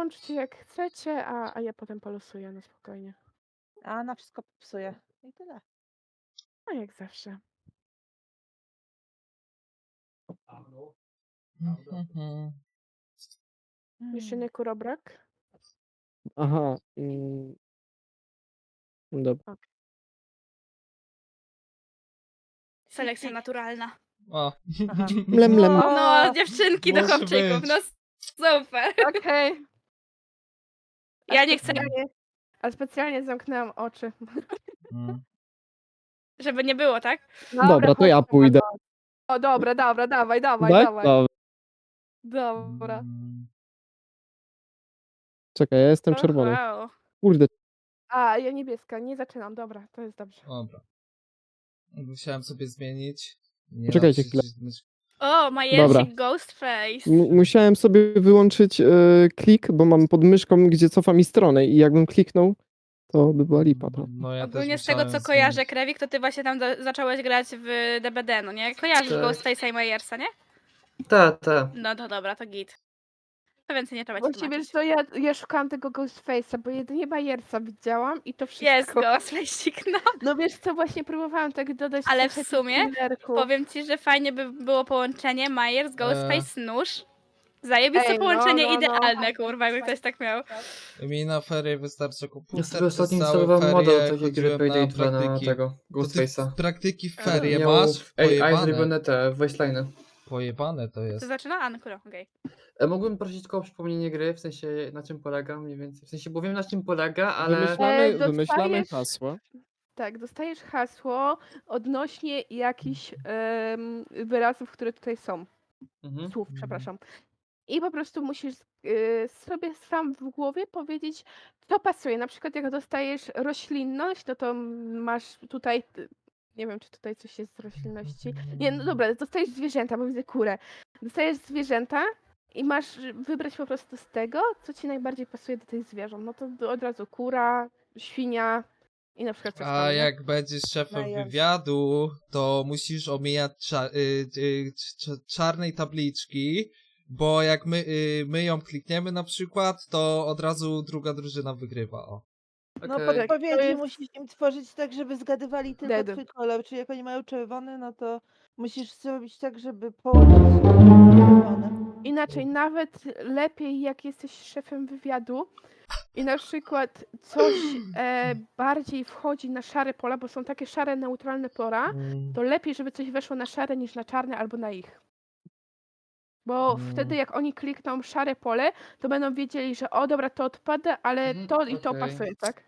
wyłączcie jak chcecie, a ja potem polosuję na spokojnie. A na wszystko popsuje. I tyle. A jak zawsze. Jeszcze nie kurobrak? Aha. Dobra. Ok. Selekcja naturalna. O. Aha. Mlem, mlem. No, dziewczynki do Może chłopczyków, być. no super. Okej. Ja nie chcę, A specjalnie zamknęłam oczy. Mm. żeby nie było, tak? Dobra, to ja pójdę. O, dobra, dawaj, Tak? dawaj. Dobra. Dobra. Czekaj, ja jestem O, czerwony. wow. Kurde. A, ja niebieska, nie zaczynam, dobra, to jest dobrze. Dobra. Musiałem sobie zmienić. Nie Poczekajcie da chwilę. przycisnąć- O, Dobra. Majersik Ghostface. Musiałem sobie wyłączyć klik, bo mam pod myszką, gdzie cofa mi stronę i jakbym kliknął, to by była lipa. To. No ja Ogólnie też z tego, co musiałem kojarzę, zmienić. Krewik, to ty właśnie tam zacząłeś grać w DBD, no nie? Kojarzysz Tak. Ghostface'a i Majersa, nie? Tak. No to dobra, to git. To więcej nie trzeba ci Właściwie, tłumaczyć. to ja szukałam tego Ghostface'a, bo jedynie Bajersa widziałam i to wszystko. Jest Ghostface'ik, no. No wiesz co, właśnie próbowałam tak dodać Ale trochę w sumie tych killerków. Powiem ci, że fajnie by było połączenie Myers, Ghostface, nóż. Zajebiste Ej, no, połączenie no. idealne, kurwa, jakby ktoś tak miał. Mi na ferie wystarczy Ja komputer. sobie ostatnio przez całe instalowałem ferie model takiej gry chodziłem Payday na 2 na praktyki. tego, To ty Ghostface'a. praktyki w ferie Miał masz? AI Pojebane. zrobione te wasteliney. Pojebane to To jest. zaczyna? A, no kurwa, okej. Mógłbym prosić tylko o przypomnienie gry, w sensie na czym polega mniej więcej. W sensie, bo wiem na czym polega, ale... Wymyślamy dostajesz- hasła. Tak, dostajesz hasło odnośnie jakichś wyrazów, które tutaj są. Mhm. Słów, przepraszam. I po prostu musisz sobie sam w głowie powiedzieć, co pasuje. Na przykład jak dostajesz roślinność, no to masz tutaj, nie wiem, czy tutaj coś jest z roślinności. Nie, no dobra, dostajesz zwierzęta, bo widzę kurę. Dostajesz zwierzęta i masz wybrać po prostu z tego, co ci najbardziej pasuje do tych zwierząt. No to od razu kura, świnia i na przykład coś tam. A nie? jak będziesz szefem Majers. wywiadu, to musisz omijać czarnej tabliczki, bo jak my ją klikniemy na przykład, to od razu druga drużyna wygrywa. O. No Okej. podpowiedzi To jest- musisz im tworzyć tak, żeby zgadywali tylko Dead. twój kolor. Czyli jak oni mają czerwony, no to musisz zrobić tak, żeby połączyć czerwone. Inaczej, nawet lepiej jak jesteś szefem wywiadu i na przykład coś bardziej wchodzi na szare pola, bo są takie szare, neutralne pola, to lepiej, żeby coś weszło na szare niż na czarne albo na ich. Bo wtedy jak oni klikną szare pole, to będą wiedzieli, że o dobra, to odpada, ale Mhm, to i to okej. pasuje, tak?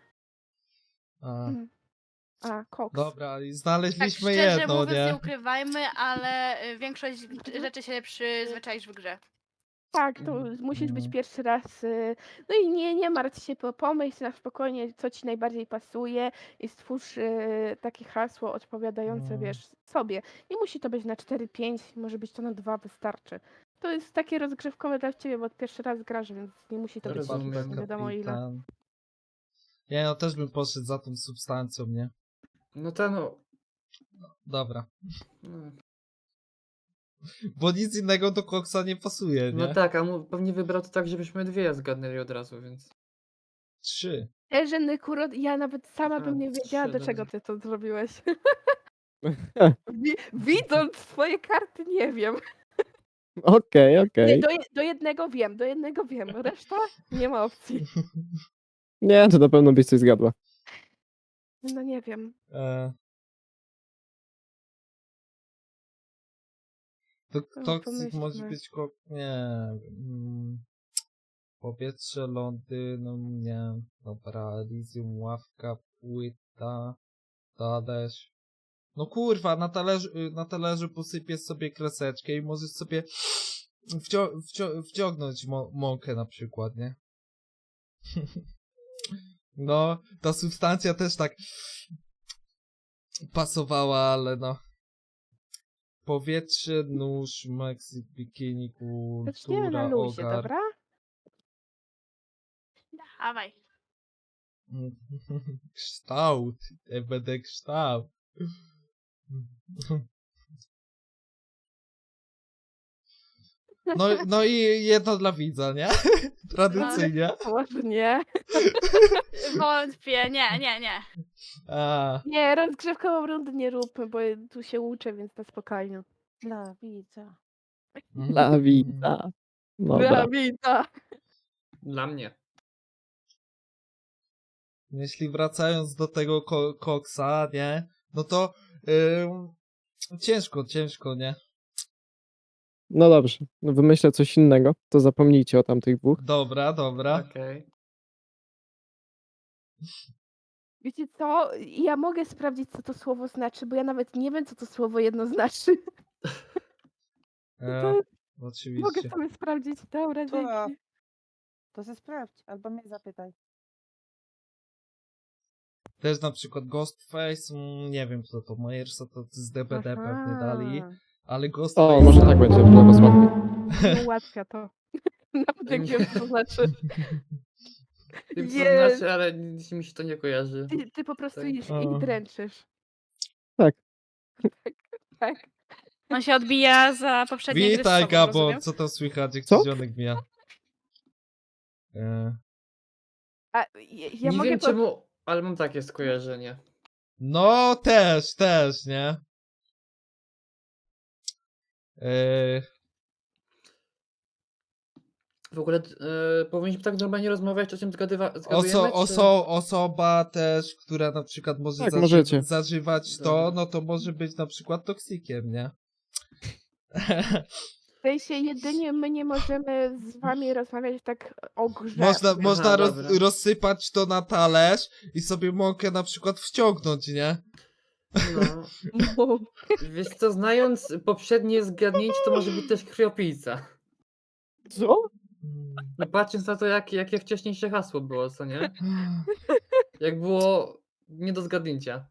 A. A, koks. Dobra, i Tak znaleźliśmy szczerze jedno, mówiąc, nie nie? ukrywajmy, ale większość rzeczy się przyzwyczaisz w grze. Tak, to musisz być pierwszy raz. No i nie martw się, pomyśl na spokojnie, co ci najbardziej pasuje i stwórz takie hasło odpowiadające, wiesz, sobie. Nie musi to być na 4-5, może być to na 2, wystarczy. To jest takie rozgrzewkowe dla ciebie, bo pierwszy raz grasz, więc nie musi to być Rozumiem. nie wiadomo ile. Kapitan. Nie, no też bym poszedł za tą substancją, nie? No to no... Dobra. no. Bo nic innego do koksa nie pasuje, nie? No tak, a pewnie wybrał to tak, żebyśmy dwie zgadnęli od razu, więc... 3. Że Nykurod, ja nawet sama bym nie wiedziała, do trzy, czego dobrze. ty to zrobiłeś. Widząc twoje karty, nie wiem. Okej. Nie, do jednego wiem, reszta nie ma opcji. Nie, to na pewno byś coś zgadła. No nie wiem. To No, toksik może pomyślmy. być nie wiem. Powietrze, Londyn, nie. Dobra, Elysium, ławka, płyta, talerz. No kurwa, na talerzu posypiesz sobie kreseczkę i możesz sobie wciągnąć mąkę na przykład, nie? No, ta substancja też tak pasowała, ale no. Powietrze, nóż, Meksyk, bikini, Zaczniemy na kultura, luzie, ogar. dobra? Dawaj. Kształt. Ja będę kształt. No i jedno dla widza, nie? Tradycyjnie. Może nie. Wątpię, nie. A, Nie, rozgrzewkową rundę nie róbmy, bo tu się uczę, więc na spokojnie. Dla widza. Dla widza. Dobra. Dla widza. Dla mnie. jeśli wracając do tego koksa, nie? No to ciężko, nie? No dobrze, no wymyślę coś innego, to zapomnijcie o tamtych dwóch. Dobra. Okej. Wiecie co? Ja mogę sprawdzić, co to słowo znaczy, bo ja nawet nie wiem, co to słowo jedno znaczy. E, Mogę oczywiście. sobie sprawdzić. Dobra, To- dzięki. To se sprawdź, albo mnie zapytaj. Też na przykład Ghostface, nie wiem kto to, Myersa to z DBD pewnie dali, Aha. ale Ghostface... O, może tak będzie dla was łatwiej. Nie ułatwia to. Nawet jak wiem, co to znaczy. Wiem, co to Jest. znaczy, ale nic mi się to nie kojarzy. Ty po prostu Tak. ich O. dręczysz. Tak. Tak. On się odbija za poprzednie gry z Witaj sobą, Gabo, rozumiem? co tam słychać, jak Co? ci zionek mija? A ja nie mogę wiem czemu, ale mam takie skojarzenie. No też, nie? W ogóle powinniśmy tak normalnie rozmawiać, o czym zgadujemy, czy... Osoba też, która na przykład może Tak, możecie. zażywać to, Dobra. no to może być na przykład toksikiem, nie? W sensie jedynie my nie możemy z wami rozmawiać tak o grze. Można dobra. rozsypać to na talerz i sobie mąkę na przykład wciągnąć, nie? No. No. Wiesz co, znając poprzednie zgadnięcie, to może być też krwiopijca. Co? No patrząc na to, jakie wcześniejsze hasło było, co nie? Jak było nie do zgadnięcia.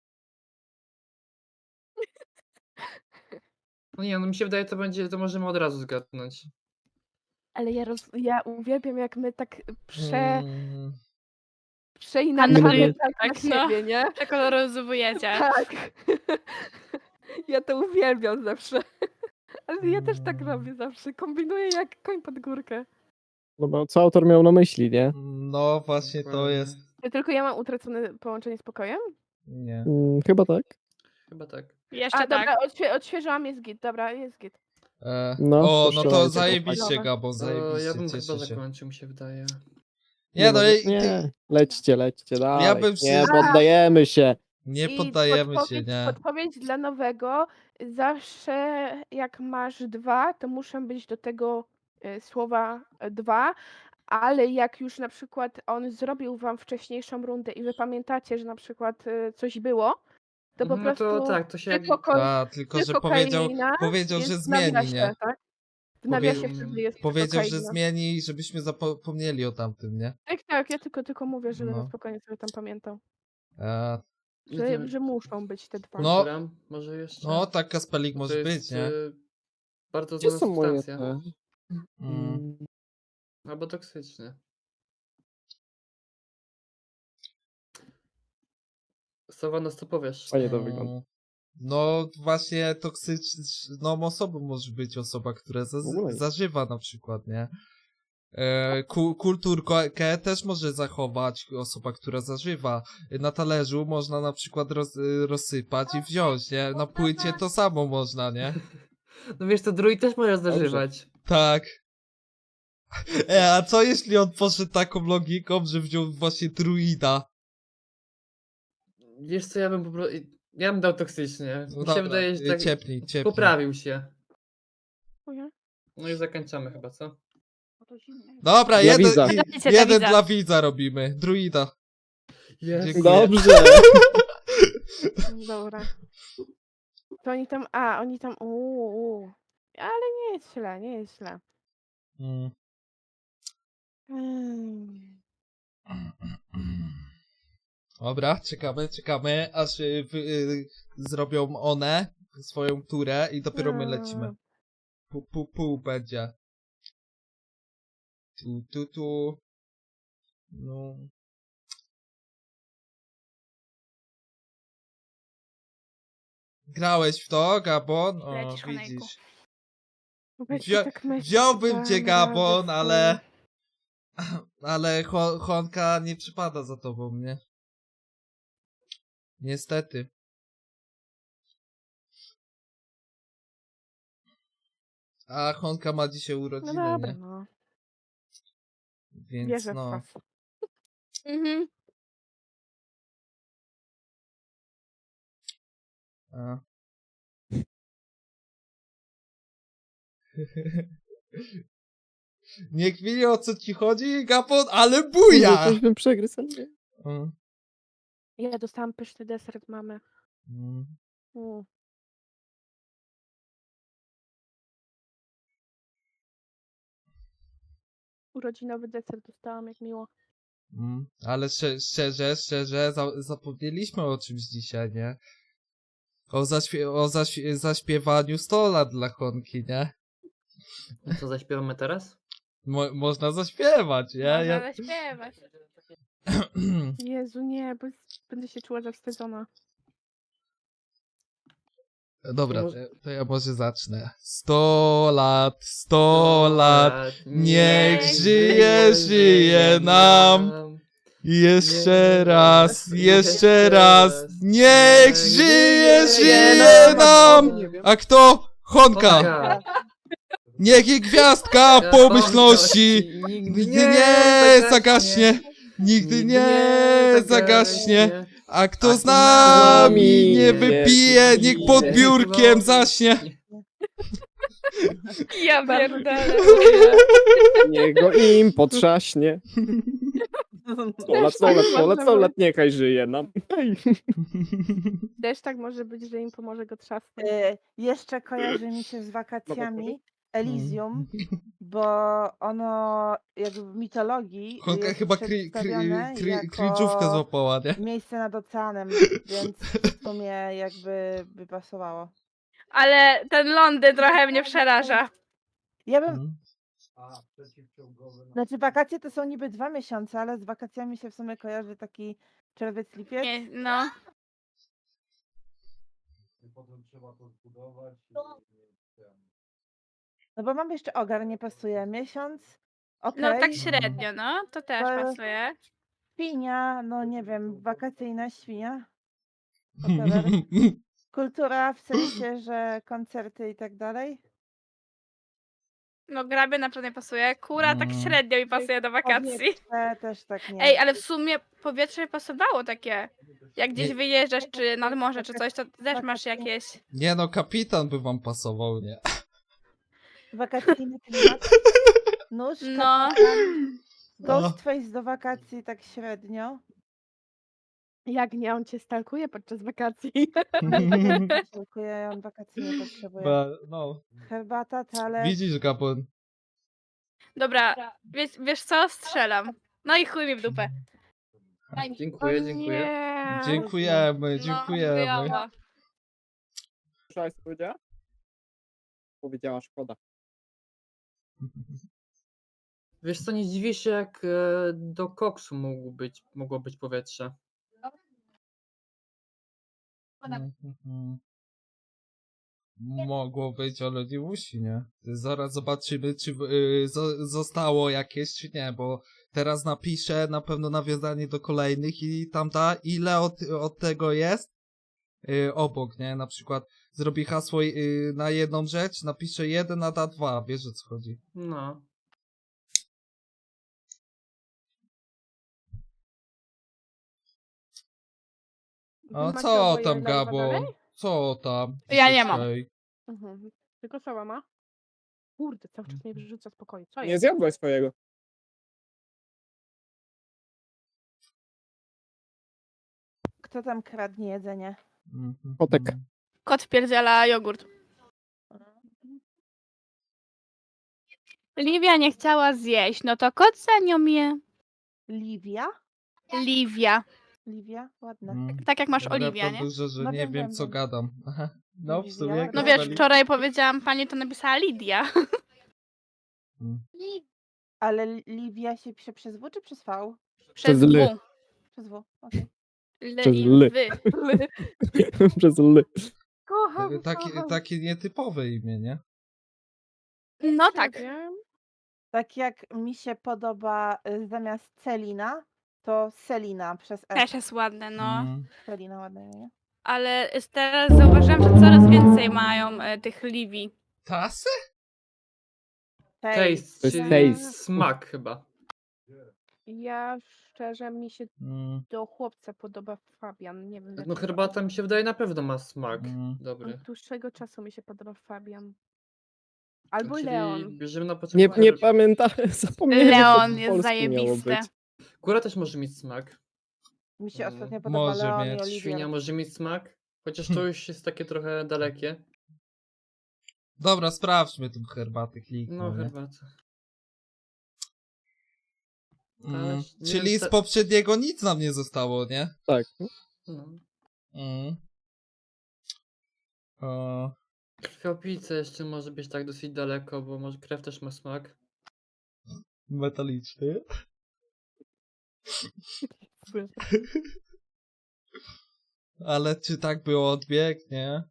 No nie, no mi się wydaje, to możemy od razu zgadnąć. Ale ja uwielbiam, jak my tak Mm, przeinaczamy Tak, tak na no. siebie, nie? Przekoloryzujecie. Tak. Ja to uwielbiam zawsze. Ale ja też tak robię zawsze. Kombinuję jak koń pod górkę. No bo co autor miał na myśli, nie? no właśnie to Dokładnie. jest... Tylko ja mam utracone połączenie z pokojem? Nie. Chyba tak. Chyba tak. Jeszcze A dobra, tak. odświeżyłam, jest git. Dobra, jest git. No, O, to no to strzelajcie, zajebiście, chłopaki. Gabon, Ja zajebiście, bym cieszę chyba się. zakończył, mi się wydaje. Nie, no i nie. Lećcie, dalej. bym Nie, przy- poddajemy się. nie I poddajemy się, nie? podpowiedź dla nowego. Zawsze jak masz 2, to muszą być do tego słowa 2, ale jak już na przykład on zrobił wam wcześniejszą rundę i wy pamiętacie, że na przykład coś było, to po No prostu to tak, to się jak... A, tylko że powiedział, kokaina że jest w zmieni, nawiasie, nie? tak? W nawiasie Powie- wtedy jest Powiedział, że kokaina. zmieni, żebyśmy zapomnieli o tamtym, nie? Tak, ja tylko mówię, żeby No. na spokojnie sobie tam pamiętał. A, Że muszą być te 2. No. Kultura może jeszcze? no, tak Kaspelik To może jest, być, nie? Bardzo Gdzie znana są moje substancja. te? Mm. Albo toksyczny. Sowa, no co powiesz? Fajnie to wygląda. No właśnie toksyczną osobą może być osoba, która W ogóle nie. zażywa na przykład, nie? Kulturkę też może zachować osoba, która zażywa. Na talerzu można na przykład rozsypać i wziąć, nie? Na płycie to samo można, nie? No wiesz, to druid też może zażywać. Tak. A co jeśli on poszedł taką logiką, że wziął właśnie druida? Wiesz co, ja bym po prostu... Ja bym dał toksycznie. No Mi się dobra, wydaje, że tak ciepnij. poprawił się. Dziękuję. No i zakończamy chyba, co? Dobra, Dla jeden, widza. jeden dla widza robimy. Druida. Jest. Dziękuję. Dobrze. Dobra. To oni tam, ale nie jest źle, nie jest źle. Mm. Dobra, czekamy, aż zrobią one swoją turę i dopiero my lecimy. Pół będzie. Tu. No. Grałeś w to, Gabon? O, Lecisz, Hanejku. widzisz. Weź Wzią- tak myśl, wziąłbym cię, dam Gabon, radę ale... Ale Honka nie przypada za tobą, nie? Niestety. A Honka ma dzisiaj No urodziny, dobra, nie? no. Więc Wierzę w no. was. Mhm. A. Nie kmini, o co ci chodzi, Gabon, ale buja! Coś bym przegryzł, ale nie. Mm. Ja dostałam pyszny deser od mamy. Mm. Mm. Urodzinowy deser dostałam, jak miło. Ale szczerze, zapomnieliśmy o czymś dzisiaj, nie? O zaśpiewaniu 100 lat dla Honki, nie? Co zaśpiewamy teraz? Można zaśpiewać, nie? Można zaśpiewać. Jezu, nie, bo będę się czuła zawstydzona. Dobra, może- to ja może zacznę. 100 lat, 100 lat, niech żyje nam. Jeszcze raz, niech żyje nam. A kto? Honka. Niech jej gwiazdka pomyślności nigdy nie zagaśnie. Nigdy nie zagaśnie. A kto z nami nie wypije, niech pod biurkiem zaśnie. Ja pierdolę. Niech go im potrzaśnie. 100 lat, 100 lat, 100 lat, 100 lat, niechaj żyje nam. Ej. Też tak może być, że im pomoże go trzasnąć. Jeszcze kojarzy mi się z wakacjami Elysium, bo ono jakby w mitologii Honka jest chyba przedstawione cringe'ówkę jako złapała, nie? miejsce nad oceanem, więc w sumie jakby by pasowało. Ale ten Londyn trochę mnie przeraża. Ja bym, Mm. znaczy wakacje to są niby 2 miesiące, ale z wakacjami się w sumie kojarzy taki czerwiec, lipiec. Nie, no. No bo mam jeszcze ogar, nie pasuje. Miesiąc, okej. No tak średnio, no. To też Ale- pasuje. Świnia, no nie wiem, wakacyjna świnia. Whatever. Kultura w sensie, że koncerty i tak dalej. No grabie na pewno nie pasuje. Kura tak Mm. średnio mi pasuje do wakacji. Powietrze też tak nie. Ej, ale w sumie powietrze pasowało takie. Jak gdzieś Nie. wyjeżdżasz, czy nad morze, czy coś, to też masz jakieś... Nie no, kapitan by wam pasował, nie? Wakacyjny klimat. Nóż, No. kapitan, Ghostface do wakacji tak średnio. Jak nie, on cię stalkuje podczas wakacji. Dziękuję, on wakacji nie potrzebuje. No, Herbata, talerz. widzisz, Gabon. Dobra, wiesz co? Strzelam. No i chuj mi w dupę. Dziękuję, O dziękuję. nie. Dziękujemy, No, dziękujemy. wyjała. Słyszałaś, co powiedziała? Powiedziała, szkoda. Wiesz co, nie dziwię się, jak do koksu mogło być powietrze. Mogło być, ale nie musi, nie? Zaraz zobaczymy, czy zostało jakieś, czy nie, bo teraz napiszę na pewno nawiązanie do kolejnych i tam ile od tego jest obok, nie? Na przykład zrobi hasło na jedną rzecz, napiszę 1, a da 2, wiesz o co chodzi. No. A Macie co oboje tam, live'a Gabon? dalej? Co tam? Ja nie mam. dzisiaj? Mhm. Tylko Soła ma? Kurde, cały czas mnie wyrzuca z pokoju. Co Nie jest? zjadłaś swojego. Kto tam kradnie jedzenie? Mhm. Kotek. Kot wpierdziela jogurt. Livia nie chciała zjeść, no to kot za nią je. Livia? Livia. Livia? Ładne. Mm. Tak jak masz Dobra, Oliwia, to nie? dużo, że No nie wiem, wiem, wiem, co wiem. gadam. Aha. No, w Oliwia, sumie jak No Dobra. wiesz, wczoraj powiedziałam pani, to napisała Lidia. Mm. Ale Livia się pisze przez W czy przez V? Przez L. W. Przez W, okej. L Przez i L. wy. Przez L. Kocham, kocham. Takie nietypowe imię, nie? No tak. Wiem. Tak jak mi się podoba zamiast Celina, to Selina przez S. Też jest ładne, no. Mm. Selina ładne imię. Ale teraz zauważyłam, że coraz więcej mają tych Livi. Tasy? Taste, To jest czyli taste. smak chyba. Ja szczerze mi się Mm. do chłopca podoba Fabian. Nie wiem No dlaczego. herbata mi się wydaje na pewno ma smak Mm. dobry. Od dłuższego czasu mi się podoba Fabian. Albo Czyli Leon. bierzemy na Nie, początku nie pamiętam, zapomniałem, że to Leon po jest polsku zajebiste. miało być. Góra też może mieć smak. Mi się Mm, ostatnio podoba może Leon mieć. i Oliwier. Świnia może mieć smak. Chociaż to już jest takie trochę dalekie. Dobra, sprawdźmy tą herbatę, kliknę, No nie? herbata. Mm. nie Czyli wiem, z poprzedniego nic nam nie zostało, nie? Tak. No. Mm. O, Krwiopijce jeszcze może być tak dosyć daleko, bo może krew też ma smak. metaliczny. Ale czy tak było odbieg, nie?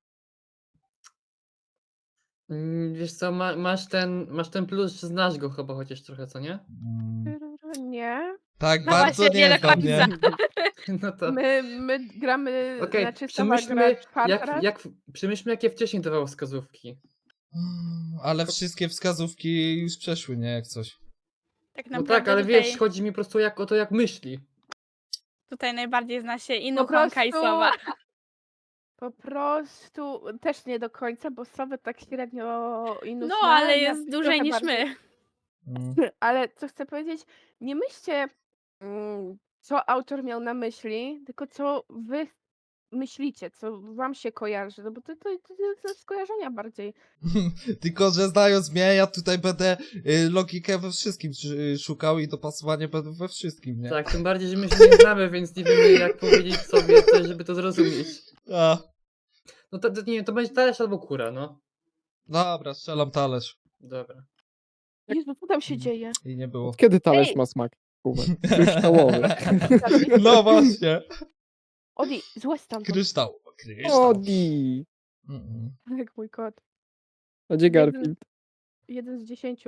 Wiesz co, masz ten plus, że znasz go chyba chociaż trochę, co nie? Mm. Nie. Tak No bardzo właśnie, nie nie do znam, nie? No to... My gramy, Okej, znaczy sama gra przemyślmy, czwarty raz. przemyślmy jakie wcześniej dawało wskazówki. Ale wszystkie wskazówki już przeszły, nie? Jak coś. Tak No naprawdę tak, ale tutaj, wiesz, chodzi mi po prostu o to, jak myśli. tutaj najbardziej zna się Po Inuchonka i prostu, Sowa. po prostu też nie do końca, bo Sowy tak średnio Inus No, ma, ale ja jest trochę dłużej niż bardziej. my. Mm. Ale co chcę powiedzieć, nie myślcie, co autor miał na myśli, tylko co wy myślicie, co wam się kojarzy, no bo to skojarzenia bardziej. Tylko, że znając mnie, ja tutaj będę logikę we wszystkim szukał i dopasowanie będę we wszystkim, nie? Tak, tym bardziej, że my się nie znamy, więc nie wiemy jak powiedzieć sobie coś, żeby to zrozumieć. A, No to nie, to będzie talerz albo kura, no. dobra, strzelam talerz. Dobra. Jezu, co tam się dzieje? I nie było. Od kiedy talerz Ej! ma smak? Kubek. Kryształowy. No właśnie. Odi, złe stamtąd, Kryształ. Kryształ. Odi. Mm-mm. jak mój kot. A gdzie Garfield? 1 z 10.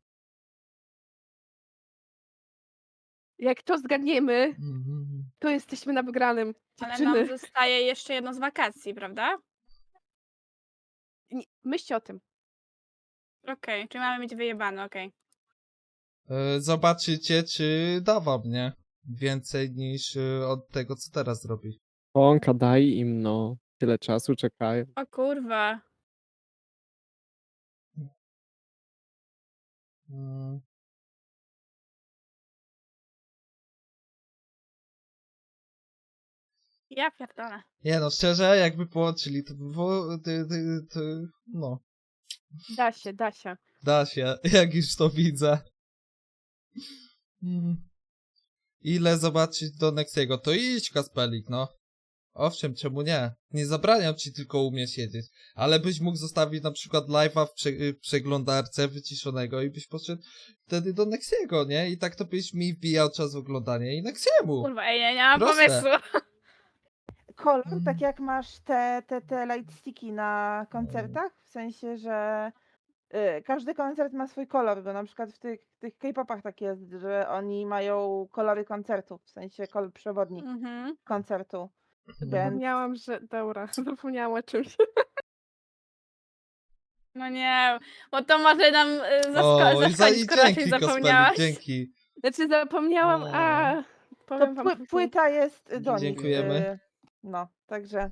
Jak to zgadniemy, Mhm. to jesteśmy na wygranym. Ale Dziewczyny, nam zostaje jeszcze jedno z wakacji, prawda? myślcie o tym. Okej, czyli mamy mieć wyjebane, okej. Zobaczycie, czy dawa mnie więcej niż od tego, co teraz robi. Onka, daj im, no. Tyle czasu czekają. O kurwa. Mm. Ja pierdolę. Nie no, szczerze, jakby połączyli, to by było... no, Da się. da się, jak już to widzę. Ile zobaczyć do Nexiego? To idź, Kaspelik, no. Owszem, czemu nie? Nie zabraniam ci tylko umieć siedzieć, ale byś mógł zostawić na przykład live'a w przeglądarce wyciszonego i byś poszedł wtedy do Nexiego, nie? I tak to byś mi wbijał czas w oglądanie i Nexiemu. Kurwa, ej, nie mam Proste. pomysłu. Kolor, tak jak masz te lightsticki na koncertach, w sensie, że każdy koncert ma swój kolor, bo na przykład w tych K-popach tak jest, że oni mają kolory koncertów, w sensie kolor przewodni Mhm. koncertu. Więc Zapomniałam, że... Dobra, zapomniałam o czymś. No nie, bo to może nam O, i zaskoczyć, skoro raczej dzięki, Kaspelik, zapomniałaś. dzięki. Znaczy zapomniałam, a... to Powiem wam później. płyta jest do nich. Dziękujemy. No, także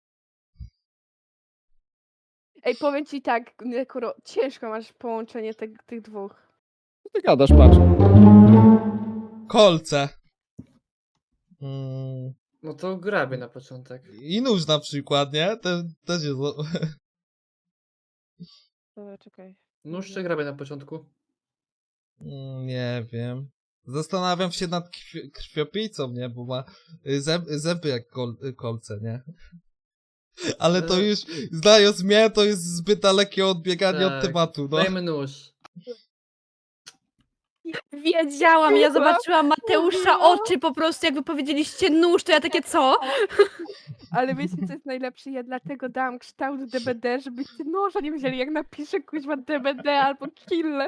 Ej, powiem ci tak, Nekuro, ciężko masz połączenie tych dwóch. Co ty gadasz, patrz. Kolce. No to grabie na początek. I nóż na przykład, nie? Też jest... to czekaj. Nóż czy grabie na początku? Nie wiem. Zastanawiam się nad krwiopijcą, nie? Bo ma zęby jak kolce, nie? Ale to już, znając mnie, to jest zbyt dalekie odbieganie od Tak. tematu, no. Dajmy nóż. Wiedziałam, ja zobaczyłam Mateusza oczy po prostu, jak wy powiedzieliście nóż, to ja takie co? Ale wiecie, co jest najlepsze? Ja dlatego dałam kształt DBD, żebyście noża nie wzięli, jak napiszę kuźwa DBD albo kille.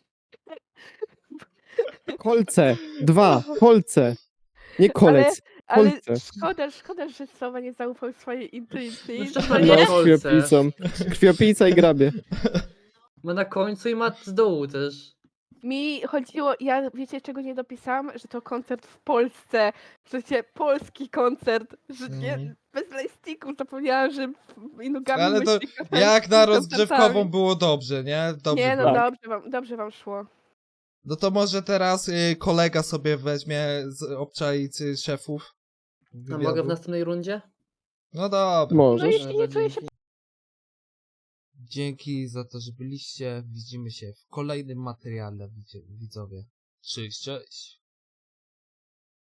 Kolce. 2. Kolce. Nie kolec. Ale Kolce. szkoda, że Sowa nie zaufał swojej intuicji. No To szczerze, nie- nie? No, Kolce. krwiopijcą. Krwiopijca i grabie. Ma na końcu i ma z dołu też. Mi chodziło, ja wiecie czego nie dopisałam? Że to koncert w Polsce. W sensie polski koncert. Że nie, Mhm. bez lejstików zapomniałam, że Inugami Ale to myśli koncert jak z na koncertami. rozgrzewkową było dobrze, nie? Dobrze Nie, no było. Tak. dobrze wam szło. No to może teraz kolega sobie weźmie z obczaicy szefów. A mogę w wywiadu. następnej rundzie? No dobra. No Możesz. jeśli nie czuję się Dzięki za to, że byliście. Widzimy się w kolejnym materiale, widzowie. Cześć, cześć.